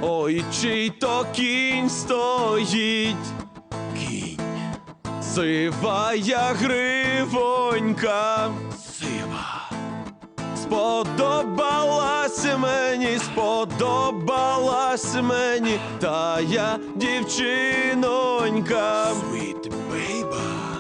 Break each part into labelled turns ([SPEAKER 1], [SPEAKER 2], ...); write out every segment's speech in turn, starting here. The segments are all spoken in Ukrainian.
[SPEAKER 1] Ой, чий то кінь стоїть,
[SPEAKER 2] Кінь.
[SPEAKER 1] сивая гривонька.
[SPEAKER 2] Сива.
[SPEAKER 1] Сподобалась мені тая дівчинонька.
[SPEAKER 2] Sweet baby.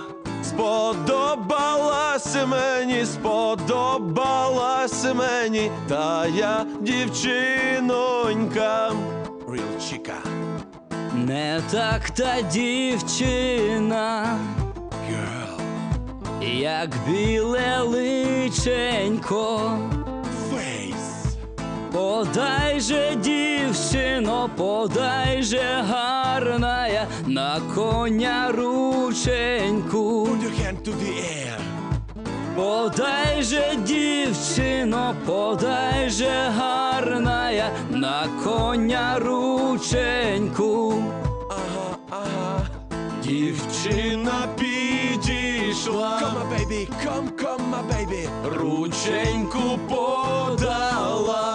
[SPEAKER 1] Сподобалась мені тая дівчинонька.
[SPEAKER 2] Real chica.
[SPEAKER 3] Не так та дівчина,
[SPEAKER 2] Girl.
[SPEAKER 3] як біле личенько.
[SPEAKER 2] Face.
[SPEAKER 3] Подай же, дівчино, подай же гарная на коня рученьку.
[SPEAKER 2] Put your hand to the air.
[SPEAKER 3] Подай же, дівчино, подай же гарная на коня рученьку.
[SPEAKER 2] Ага, ага.
[SPEAKER 1] Дівчина підійшла,
[SPEAKER 2] Come my baby, come my baby.
[SPEAKER 1] рученьку подала.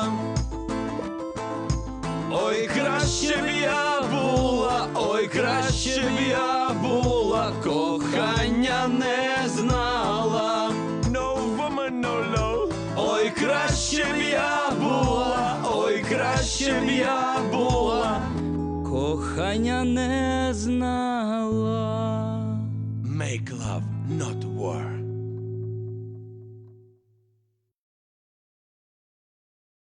[SPEAKER 1] Ой, краще б я була, ой, краще б я була, кохання не знала.
[SPEAKER 2] No woman, no love.
[SPEAKER 1] Ой, краще б я була, ой, краще б я була.
[SPEAKER 3] Кохання не знала.
[SPEAKER 2] Make love, not war.